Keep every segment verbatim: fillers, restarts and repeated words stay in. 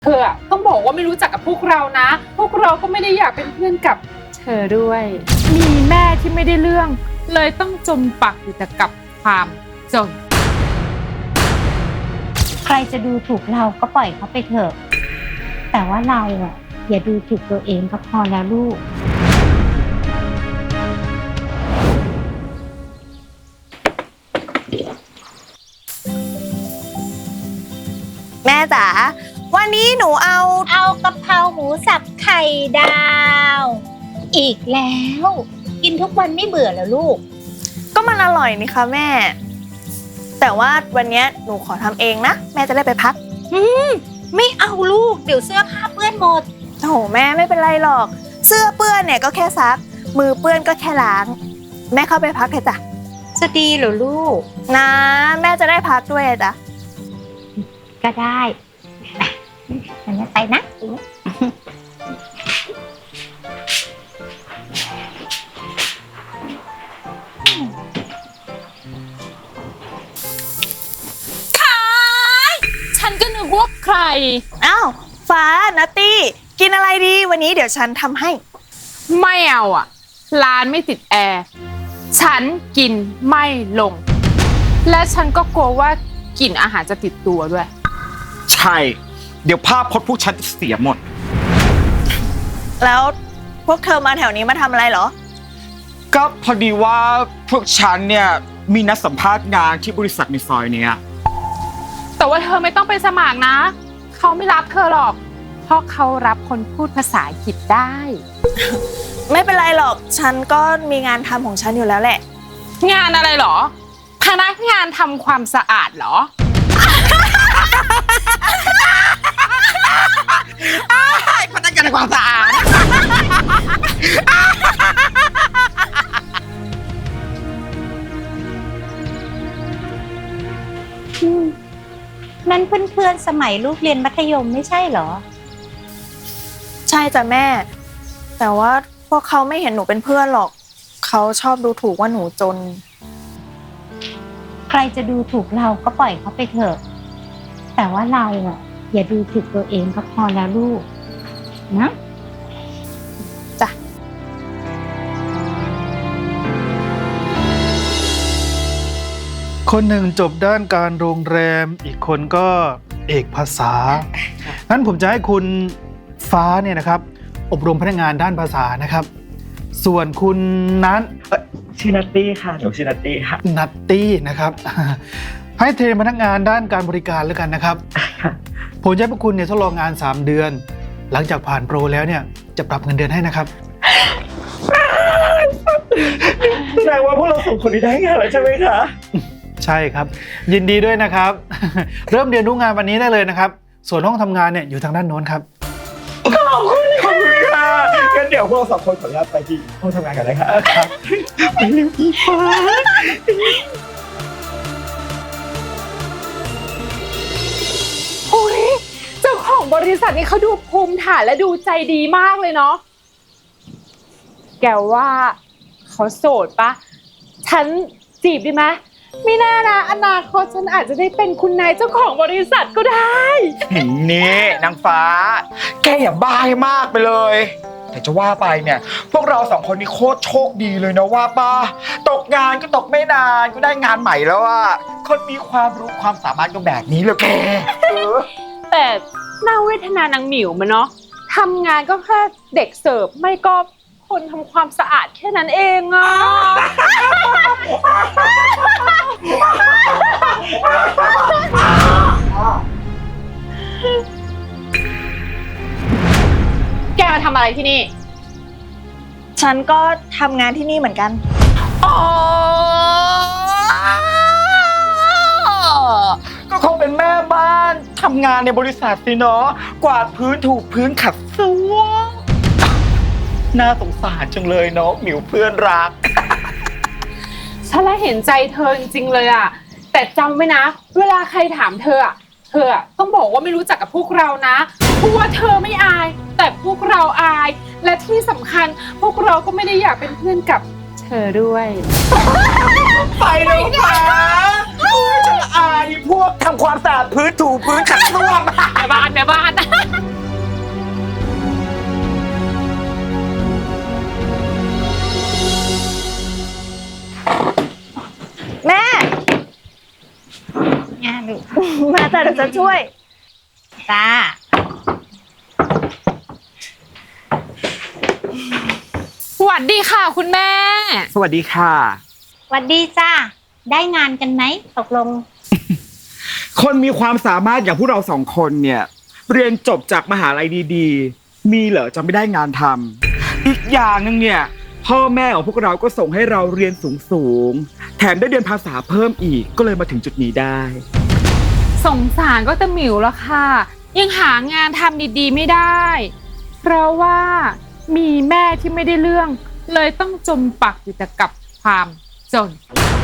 เธอต้องบอกว่าไม่รู้จักกับพวกเรานะพวกเราก็ไม่ได้อยากเป็นเพื่อนกับเธอด้วยมีแม่ที่ไม่ได้เรื่องเลยต้องจมปักอยู่แต่กับความจนใครจะดูถูกเราก็ปล่อยเขาไปเถอะแต่ว่าเราอ่ะอย่าดูถูกตัวเองก็พอแล้วลูกแม่จ๋าวันนี้หนูเอาเอากะเพราหมูสับไข่ดาวอีกแล้วกินทุกวันไม่เบื่อแล้วลูกก็มันอร่อยนี่คะแม่แต่ว่าวันนี้หนูขอทำเองนะแม่จะได้ไปพักอืมไม่เอาลูกเดี๋ยวเสื้อผ้าเปื้อนหมดโอ้โหแม่ไม่เป็นไรหรอกเสื้อเปื้อนเนี่ยก็แค่ซักมือเปื้อนก็แค่ล้างแม่เข้าไปพักเถอะจ้ะจะดีเหรอลูกนะแม่จะได้พักด้วยจ้ะก็ได้งั้นไปนะขายฉันก็นึกว่าใครอ้าวฟ้านัตตี้กินอะไรดีวันนี้เดี๋ยวฉันทำให้ไม่เอาอ่ะร้านไม่ติดแอร์ฉันกินไม่ลงและฉันก็กลัวว่ากลิ่นอาหารจะติดตัวด้วยใช่เดี๋ยวภาพพจน์พวกฉันเสียหมดแล้วพวกเธอมาแถวนี้มาทำอะไรเหรอก็พอดีว่าพวกฉันเนี่ยมีนัดสัมภาษณ์งานที่บริษัทในซอยเนี้ยแต่ว่าเธอไม่ต้องไปสมัครนะเขาไม่รับเธอหรอกเพราะเขารับคนพูดภาษาอังกฤษได้ไม่เป็นไรหรอกฉันก็มีงานทำของฉันอยู่แล้วแหละงานอะไรหรอพนักงานทำความสะอาดหรอพนักงานทำความสะอาดนั่นเพื่อนๆสมัยลูกเรียนมัธยมไม่ใช่เหรอใช่จ้ะแม่แต่ว่าพวกเขาไม่เห็นหนูเป็นเพื่อนหรอกเขาชอบดูถูกว่าหนูจนใครจะดูถูกเราก็ปล่อยเขาไปเถอะแต่ว่าเราอ่ะอย่าดูถูกตัวเองก็พอแล้วลูกนะจ้ะคนหนึ่งจบด้านการโรงแรมอีกคนก็เอกภาษางั้นผมจะให้คุณฟ้าเนี่ยนะครับอบรมพนักงานด้านภาษานะครับส่วนคุณนั้นชื่อนัตตี้ค่ะหนูชื่อนัตตี้ค่ะนัตตี้นะครับให้เทรนพนักงานด้านการบริการแล้วกันนะครับผมจะให้พวกคุณเนี่ยทดลองงานสามเดือนหลังจากผ่านโปรแล้วเนี่ยจะปรับเงินเดือนให้นะครับแสดงว่าพวกเราสองคนนี้ได้งานแล้วใช่ไหมคะใช่ครับยินดีด้วยนะครับเริ่มเรียนรู้งานวันนี้ได้เลยนะครับส่วนห้องทำงานเนี่ยอยู่ทางด้านโน้นครับขอบคุณขอบคุณค่ะงั้นเดี๋ยวพวกเราสองคนขออนุญาตไปที่ห้องทำงานกันเลยครับไปเร็วอีฟ้าโอ้ยเจ้าของบริษัทนี่เขาดูภูมิฐานและดูใจดีมากเลยเนาะแกว่าเขาโสดปะฉันจีบดีไหมไม่แน่นะอนาคตฉันอาจจะได้เป็นคุณนายเจ้าของบริษัทก็ได้นี่นางฟ้าแกอย่าบ้าให้มากไปเลยแต่จะว่าไปเนี่ยพวกเราสองคนนี่โคตรโชคดีเลยนะว่าป้าตกงานก็ตกไม่นานก็ได้งานใหม่แล้วอะคนมีความรู้ความสามารถก็แบบนี้เลยแกแต่น่าเวทนานางหมิวมันเนาะทำงานก็แค่เด็กเสิร์ฟไม่ก็คนทำความสะอาดแค่นั้นเองอะแกมาทำอะไรที่นี่ฉันก็ทำงานที่นี่เหมือนกันอ๋อก็คงเป็นแม่บ้านทำงานในบริษัทสิเนาะกวาดพื้นถูพื้นขัดส้วมน่าสงสารจังเลยเนาะหมิวเพื่อนรักฉันละเห็นใจเธอจริงๆเลยอะแต่จำไว้นะเวลาใครถามเธออะเธอต้องบอกว่าไม่รู้จักกับพวกเรานะเพราะว่าเธอไม่อายแต่พวกเราอายและที่สำคัญพวกเราก็ไม่ได้อยากเป็นเพื่อนกับเธอด้วยไปเลยค่ะฉันอายพวกทำความสะอาดพื้นถูพื้นขัดส้วมแม่บ้านแม่บ้านเดี๋ยวฉันช่วยจ้าสวัสดีค่ะคุณแม่สวัสดีค่ะสวัสดีจ้า ได้งานกันไหมตกลงคนมีความสามารถอย่างพวกเราสองคนเนี่ย เรียนจบจากมหาลัยดีๆ มีเหรอจะไม่ได้งานทำอีกอย่างหนึงเนี่ยพ่อแม่ของพวกเราก็ส่งให้เราเรียนสูงๆแถมได้เรียนภาษาเพิ่มอีกก็เลยมาถึงจุดนี้ได้สงสารก็ตะหมิวแล้วค่ะ ยังหางานทำดีๆไม่ได้ เพราะว่ามีแม่ที่ไม่ได้เรื่อง เลยต้องจมปักอยู่แต่กับความจน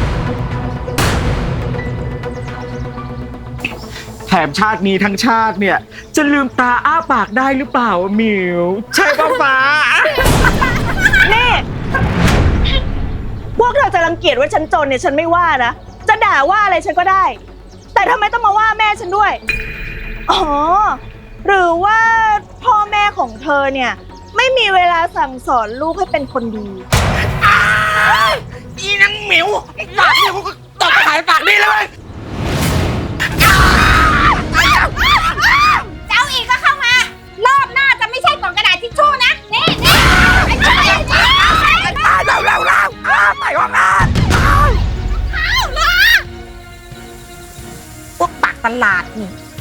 แถมชาตินี้ทั้งชาติเนี่ย จะลืมตาอ้าปากได้หรือเปล่าหมิว ใช่ป่ะฟ้านี่ พวกเธอจะรังเกียจว่าฉันจนเนี่ยฉันไม่ว่านะ จะด่าว่าอะไรฉันก็ได้ แต่ทำไมต้องมาว่าแม่ฉันด้วย อ๋อ หรือว่าพ่อแม่ของเธอเนี่ย ไม่มีเวลาสั่งสอนลูกให้เป็นคนดีอีนังหมิวปากนี่กูก็ตบหายปากนี่เลยเจ้าอีกก็เข้ามา รอบหน้าจะไม่ใช่กล่องกระดาษทิชชู่นะ นี่นี่ไอ้เจ้าไอ้เจ้าเร็วเร็วเร็วไปห้องน้ำพวกปากตลาดนี่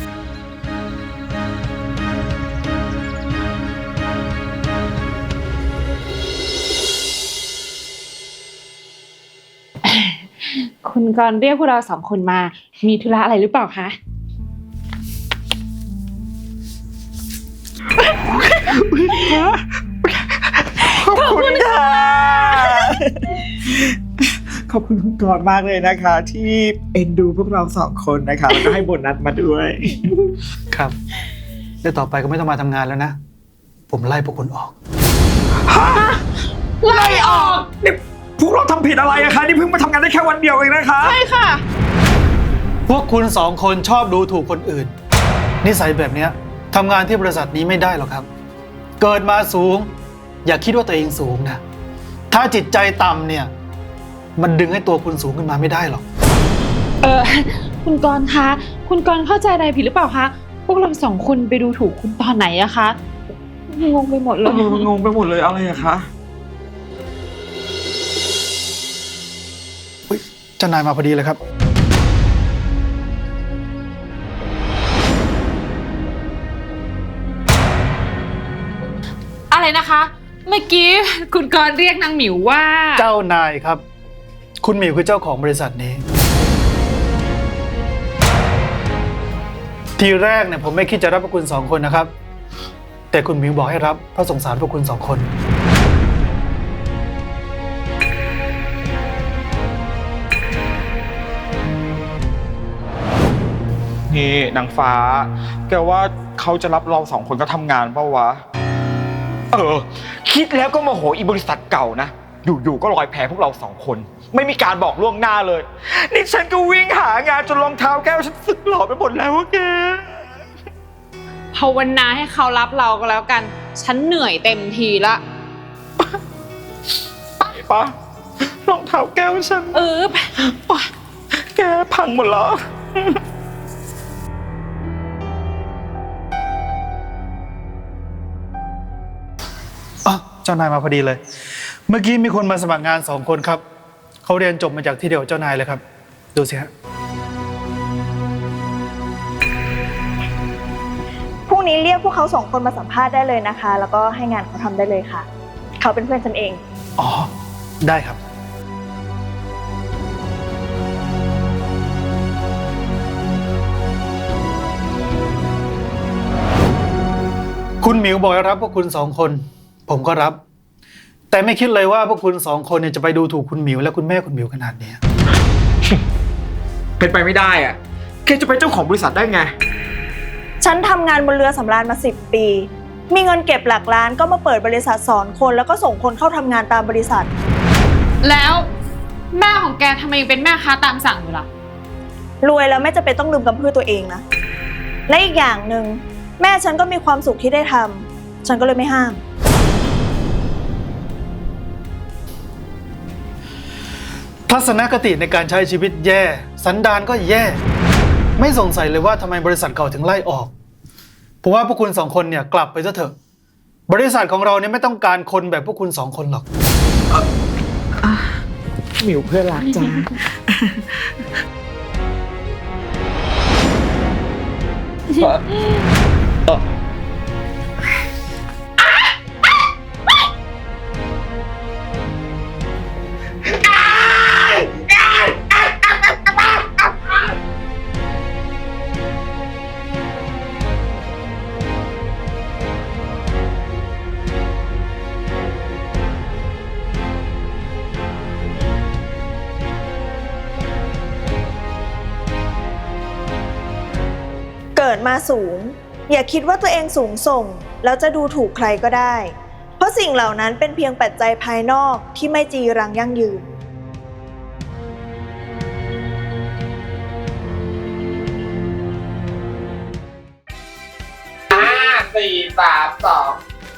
คุณกรณ์เรียกพวกเราสองคนมา มีธุระอะไรหรือเปล่าคะขอบคุณค่ะ ขอบคุณคุณกรณ์มากเลยนะคะ ที่เอ็นดูพวกเราสองคนนะคะแล้วก็ให้โบนัสมาด้วยครับแล้วต่อไปก็ไม่ต้องมาทำงานแล้วนะ ผมไล่พวกคุณออกไล่ออกนี่พวกเราทำผิดอะไรอะคะนี่เพิ่งมาทำงานได้แค่วันเดียวเองนะคะใช่ค่ะพวกคุณสองคนชอบดูถูกคนอื่น นิสัยแบบเนี้ยทำงานที่บริษัทนี้ไม่ได้หรอกครับ เกิดมาสูง อย่าคิดว่าตัวเองสูงนะถ้าจิตใจต่ำเนี่ย มันดึงให้ตัวคุณสูงขึ้นมาไม่ได้หรอกเออคุณกรณ์คะ คุณกรณ์เข้าใจอะไรผิดหรือเปล่าคะ พวกเราสองคนไปดูถูกคุณตอนไหนอะคะ งงไปหมดเลยงงไปหมดเลยอะไรอะคะอุ๊ยเจ้านายมาพอดีเลยครับอะไรนะคะ เมื่อกี้คุณกรณ์เรียกนางหมิวว่าเจ้านายครับ คุณหมิวคือเจ้าของบริษัทนี้ ทีแรกเนี่ยผมไม่คิดจะรับพวกคุณสองคนนะครับ แต่คุณหมิวบอกให้รับเพราะสงสารพวกคุณสองคนนี่นางฟ้า แกว่าเขาจะรับเราสองคนก็ทำงานเปล่าวะ เออ คิดแล้วก็โมโหอีบริษัทเก่านะ อยู่ๆก็ลอยแพพวกเราสองคน ไม่มีการบอกล่วงหน้าเลย นี่ฉันก็วิ่งหางานจนรองเท้าแก้วฉันสึกหล่อไปหมดแล้วอะแกภาวนาให้เขารับเราก็แล้วกัน ฉันเหนื่อยเต็มทีละไปปะรองเท้าแก้วฉันเออแกพังหมดแล้วอ๋อเจ้านายมาพอดีเลย เมื่อกี้มีคนมาสมัครงานสองคนครับ เขาเรียนจบมาจากที่เดียวเจ้านายเลยครับ ดูสิฮะพรุ่งนี้เรียกพวกเขาสองคนมาสัมภาษณ์ได้เลยนะคะ แล้วก็ให้งานเขาทำได้เลยค่ะ เขาเป็นเพื่อนฉันเองอ๋อ ได้ครับ คุณหมิวบอกให้รับพวกคุณสองคน ผมก็รับ แต่ไม่คิดเลยว่าพวกคุณสองคนเนี่ยจะไปดูถูกคุณหมิวและคุณแม่คุณหมิวขนาดนี้เป็นไปไม่ได้อะแกจะเป็นเจ้าของบริษัทได้ไงฉันทำงานบนเรือสำราญมาสิบปี มีเงินเก็บหลักล้านก็มาเปิดบริษัทสอนคนแล้วก็ส่งคนเข้าทำงานตามบริษัทแล้วแม่ของแกทำไมยังเป็นแม่ค้าตามสั่งอยู่ล่ะรวยแล้วไม่จำเป็นต้องลืมกำพืชตัวเองนะ และอีกอย่างหนึ่งแม่ฉันก็มีความสุขที่ได้ทำฉันก็เลยไม่ห้ามทัศนคติในการใช้ชีวิตแย่ สันดานก็แย่ไม่สงสัยเลยว่าทำไมบริษัทเก่าถึงไล่ออกผมว่าพวกคุณสองคนเนี่ยกลับไปซะเถอะบริษัทของเราเนี่ยไม่ต้องการคนแบบพวกคุณสองคนหรอกหมิวเพื่อนรักจ้าเกิดมาสูง อย่าคิดว่าตัวเองสูงส่ง แล้วจะดูถูกใครก็ได้ เพราะสิ่งเหล่านั้นเป็นเพียงปัจจัยภายนอกที่ไม่จีรังยั่งยืนห้าสี่สามสอง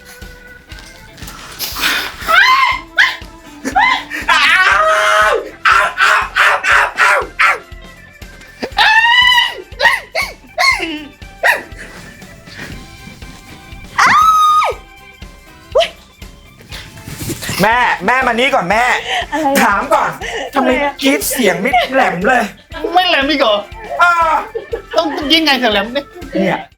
แม่แม่มานี่ก่อนแม่อะไรอะถามก่อนทำไมอะไรอะกรีดเสียงไม่แหลมเลยไม่แหลมอีกเหรออ่าต้องยิงไงถึงแหลมเนี่ยเนี่ย